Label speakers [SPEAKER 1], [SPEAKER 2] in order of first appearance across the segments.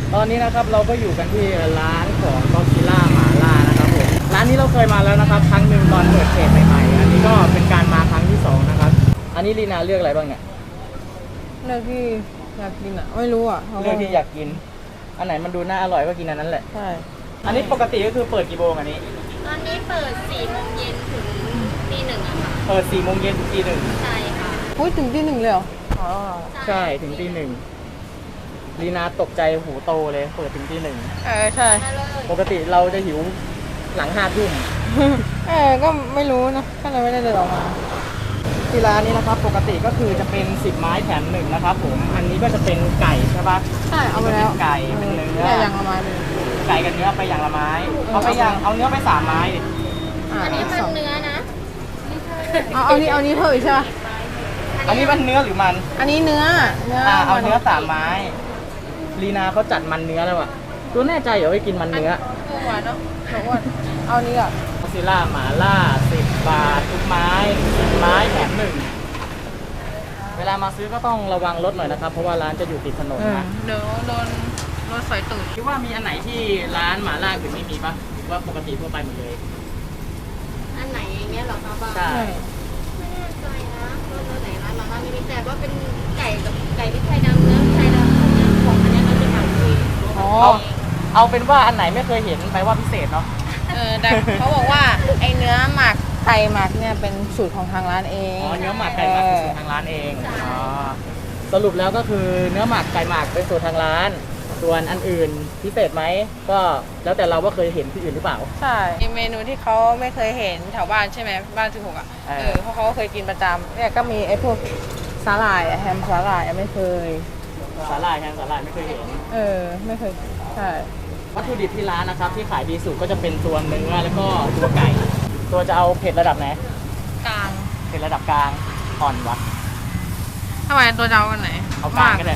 [SPEAKER 1] ตอนนี้นะครับเราก็อยู่กันที่ร้านของก็ซิล่าหมาล่านะครับผมร้านนี้เราเคยมาแล้วนะครับครั้งหนึ่งตอนเปิดเพจใหม่ๆอันนี้ก็เป็นการมาครั้งที่2นะครับอันนี้ลีนาเลือกอะไรบ้างเนี่ย
[SPEAKER 2] เลือกที่อยากกินอ่ะไม่รู้อ่ะ
[SPEAKER 1] เลือกที่อยากกินอันไหนมันดูน่าอร่อยก็กินอันนั้นแหละ
[SPEAKER 2] ใช่
[SPEAKER 1] อันนี้ปกติก็คือเปิดกี่โมงอันนี้
[SPEAKER 3] ตอนนี้เปิด4 โมงเย็นถึงตี 1อะค่ะ
[SPEAKER 1] เปิด4 โมงเย็นถึงตี 1
[SPEAKER 3] ใช่ค่ะ
[SPEAKER 2] อุ้ยถึงที่ 1เลยเหรออ๋อ
[SPEAKER 1] ใช่ถึงตี 1ลีนาตกใจหูโตเลยเปิดถึงตี
[SPEAKER 2] ใช่
[SPEAKER 3] มาเลย
[SPEAKER 1] 1ปกติเราจะหิวหลัง5 ทุ่ม
[SPEAKER 2] ก็ไม่รู้นะก็เลยไม่ได้เดินออกมา
[SPEAKER 1] ที่ร้านนี้นะครับปกติก็คือจะเป็น10 ไม้แถม1นะครับผมอันนี้ก็จะเป็นไก่ใช่ปะ
[SPEAKER 2] ใช่เอาไปแล้ว
[SPEAKER 1] ไก่เป็นเนื้อ
[SPEAKER 2] อย่างละไม้เลย
[SPEAKER 1] ไก่กับเนื้อไปอย่างละไม้เอาไปอย่างเอาเนื้อไป3 ไม้ดิ
[SPEAKER 3] อันนี้มันเนื้อนะ
[SPEAKER 2] เอานี้เพิ่มอีกใช่ปะ
[SPEAKER 1] อันนี้มันเนื้อหรือมัน
[SPEAKER 2] อันนี้เนื้อ
[SPEAKER 1] เอาเนื้อ3 ไม้ลีนาเขาจัดมันเนื้อแล้วอ่ะตัวแน่ใจเหรอว่ากินมันเนื้อ
[SPEAKER 2] หวานเนาะหวานเอานี้อ่ะ
[SPEAKER 1] ก็ซิล่าหมาล่า10 บาททุกไม้10 ไม้แถม1เวลามาซื้อก็ต้องระวังรถหน่อยนะครับเพราะว่าร้านจะอยู่ติดถนนนะ
[SPEAKER 2] เดี๋ยวโดนรถไฟตูด
[SPEAKER 1] คิดว่ามีอันไหนที่ร้านหมาล่าอื่นไม่มีปะหรือว่าปกติทั่วไปหมดเลย
[SPEAKER 3] อันไหนอย่างเงี้ยหรอคะบ้าง
[SPEAKER 1] ใช่
[SPEAKER 3] ไม่แน่ใจนะว่าไหนร้านมาม่าไม่มีแต่ว่าเป็นไก่กับไก่พริกไทยดำเนื้อพริกไทยดำของอันนี้มันเป็นหนังคุย
[SPEAKER 1] เอาเป็นว่าอันไหนไม่เคยเห็นไปว่าพิเศษเนาะ
[SPEAKER 2] แต่เขาบอกว่าไอเนื้อหมักไก่หมักเนี่ยเป็นสูตรของทางร้านเอง
[SPEAKER 1] เนื้อหมักไก่หมักเป็นสูตรทางร้านเองสรุปแล้วก็คือเนื้อหมักไก่หมักเป็นสูตรทางร้านส่วนอันอื่นพิเศษไหมก็แล้วแต่เราว่าเคยเห็นที่อื่นหรือเปล่า
[SPEAKER 2] ใช่เมนูที่เขาไม่เคยเห็นแถวบ้านใช่ไหมบ้าน16อ่ะเพราะเขาเคยกินประจำเนี่ยก็มีไอ้พวกสาหร่ายแฮมสาหร่ายไม่เคย
[SPEAKER 1] สาหร่ายแฮมสาหร่ายไม่เคยเห็น
[SPEAKER 2] ไม่เคยใช่
[SPEAKER 1] วัตถุดิบที่ร้านนะครับที่ขายดีสุดก็จะเป็นตัวเนื้อแล้วก็ตัวไก่ตัวจะเอาเผ็ดระดับไหน
[SPEAKER 2] กลาง
[SPEAKER 1] เผ็ดระดับกลางอ่อนวะ
[SPEAKER 2] ทำไมตัวจะเอากันไหน
[SPEAKER 1] เอากลางก็ได้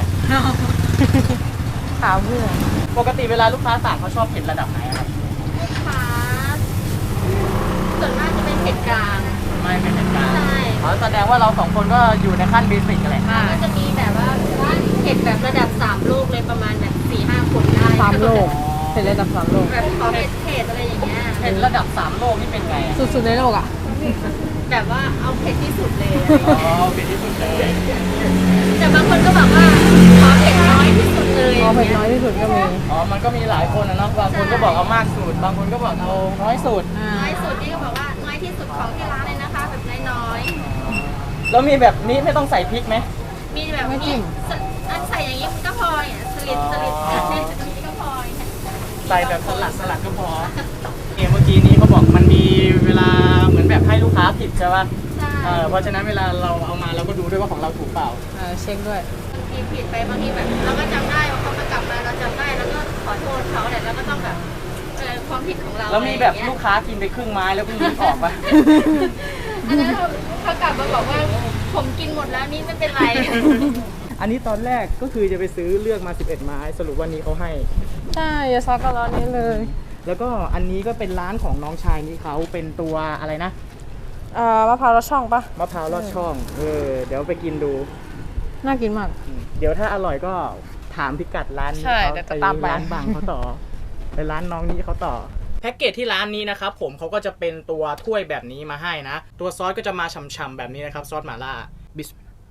[SPEAKER 2] ขาวเพื่อน
[SPEAKER 1] ปกติเวลาลูกค้าสั่งเขาชอบเผ็ดระดับไหนครับ
[SPEAKER 3] ลูกค้าส่วนมากจะเป็นเผ็ดกลาง
[SPEAKER 1] ไม่เป็นเผ็ดกลาง
[SPEAKER 3] ใช่
[SPEAKER 1] แสดงว่าเรา2 คนก็อยู่ในขั้นเบสิกอะไร
[SPEAKER 3] มันจะมีแบบว่าเผ็ดแบบระดับ3 โลกเลยประมาณแบบ 4-5 คนได้
[SPEAKER 2] 3 โลกเผ็ดระดับ3 โลก
[SPEAKER 3] แบบขอเผ็ดอะไรอย่างเงี้ย
[SPEAKER 1] เผ็ดระดับ3 โลกนี่เป็นไง
[SPEAKER 2] สุดๆในโลกอ่ะ
[SPEAKER 3] แบบว่าเอาเผ็ดที่สุดเลย
[SPEAKER 1] เผ็ดที่สุดเลย
[SPEAKER 3] แต่บางคนก็บอกว่าขอเผ็ดน้อยที่สุดเลย
[SPEAKER 2] เผ็ดน้อยที่สุดก็มี
[SPEAKER 1] มันก็มีหลายคนนะเนาะบางคนก็บอกเอามากสุดบางคนก็บอกเอาน้อยสุด
[SPEAKER 3] นี่ก็บอกว่าน้อยที่สุดของที่ร้านเลยนะคะแบบน้อย
[SPEAKER 1] แล้วมีแบบนี้ไม่ต้องใส่พริกไหม
[SPEAKER 3] มีแบบไม่จิ้มอันใส่อย่างนี้ก็พอสลิดก็พอ
[SPEAKER 1] ใส่แบบสลัดก็พอเมื่อกี้นี้เขาบอกมันมีเวลาเหมือนแบบให้ลูกค้าผิดใช่ป่ะเพราะฉะนั้นเวลาเราเอามาเราก็ดูด้วยว่าของเราถูกเปล่า
[SPEAKER 2] เช็คด้วย
[SPEAKER 3] บางทีผิดไปบางทีแบบเราก็จำได้ว่าเขามากลับมาเราจำได้แล้วก็ขอโทษเขาแต่เราก็ต้องแบบความผิดของเรา
[SPEAKER 1] แล้วมีแบบลูกค้ากินไปครึ่งไม้แล้วเพิ่งนึกออกป่ะ
[SPEAKER 3] อันนั้นเขากลับมาบอกว่าผมกินหมดแล้วนี่ไม่เป็นไร
[SPEAKER 1] อันนี้ตอนแรกก็คือจะไปซื้อเลือกมา11 ไม้สรุปวันนี้เขาให้
[SPEAKER 2] ใช่ยาซอกร้อนนี้เลย
[SPEAKER 1] แล้วก็อันนี้ก็เป็นร้านของน้องชายนี่เขาเป็นตัวอะไรนะ
[SPEAKER 2] มะพร้าวลอดช่องปะ
[SPEAKER 1] มะพร้าวลอดช่อง
[SPEAKER 2] เ
[SPEAKER 1] ดี๋ยวไปกินดู
[SPEAKER 2] น่ากินมาก
[SPEAKER 1] เดี๋ยวถ้าอร่อยก็ถามพิกัดร้านนี้เขาไปร้านบางเขาต่อไปร้านน้องนี้เขาต่อแพ็กเกจที่ร้านนี้นะครับผมเขาก็จะเป็นตัวถ้วยแบบนี้มาให้นะตัวซอสก็จะมาฉ่ำๆแบบนี้นะครับซอสหม่าล่าบิส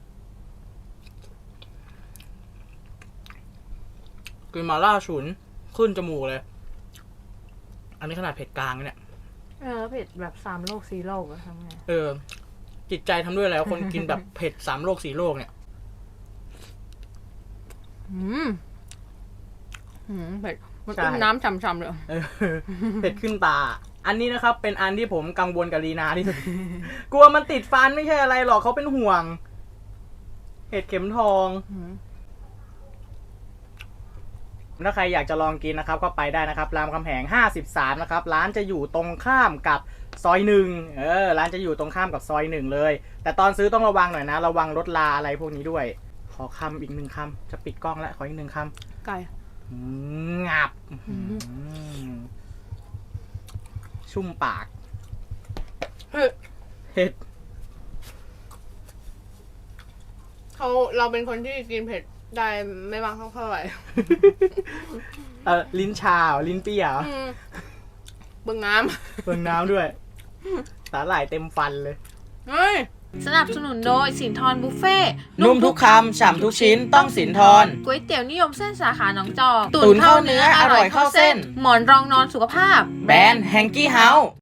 [SPEAKER 1] กลิ่นหม่าล่าฉุนขึ้นจมูกเลยอันนี้ขนาดเผ็ดกลางเนี่ย
[SPEAKER 2] เผ็ดแบบ3 โลก4 โลกทำไง
[SPEAKER 1] จิตใจทำด้วยแล้วคนกินแบบเผ็ด3 โลก4 โลกเนี่ย
[SPEAKER 2] เผ็ดมันขึ้นน้ำฉ่ำๆเลย
[SPEAKER 1] เผ็ดขึ้นตาอันนี้นะครับเป็นอันที่ผมกังวลกับลีนาที่สุดกลัวมันติดฟันไม่ใช่อะไรหรอกเขาเป็นห่วงเห็ดเข็มทองถ้าใครอยากจะลองกินนะครับก็ไปได้นะครับรามคำแหง53นะครับร้านจะอยู่ตรงข้ามกับซอย1ร้านจะอยู่ตรงข้ามกับซอย1เลยแต่ตอนซื้อต้องระวังหน่อยนะระวังรถลาอะไรพวกนี้ด้วยขอคำอีก1 คำจะปิดกล้องแล้วขออีก1 คำ
[SPEAKER 2] ไก่
[SPEAKER 1] งับชุ่มปากเผ็ด
[SPEAKER 2] เราเป็นคนที่กินเผ็ดได้ไม่มากเท่าไหร่
[SPEAKER 1] ลิ้นชาลิ้นเปรี้ยว
[SPEAKER 2] เบิ่งน้
[SPEAKER 1] เบิ่งน้ำด้วยสาหร่ายเต็มฟันเลย
[SPEAKER 2] ำเฮ้ยสนับสนุนโดยสินทรบุฟเฟ่
[SPEAKER 1] นุ่มทุกคำฉ่ำทุกชิ้นต้องสินทร
[SPEAKER 2] ก๋วยเตี๋ยวนิยมเส้นสาขาหนองจอก
[SPEAKER 1] ตุ๋นเข้าเนื้ออร่อยเข้าเส้น
[SPEAKER 2] หมอนรองนอนสุขภาพ
[SPEAKER 1] แบรนด์แฮงกี้เฮาส์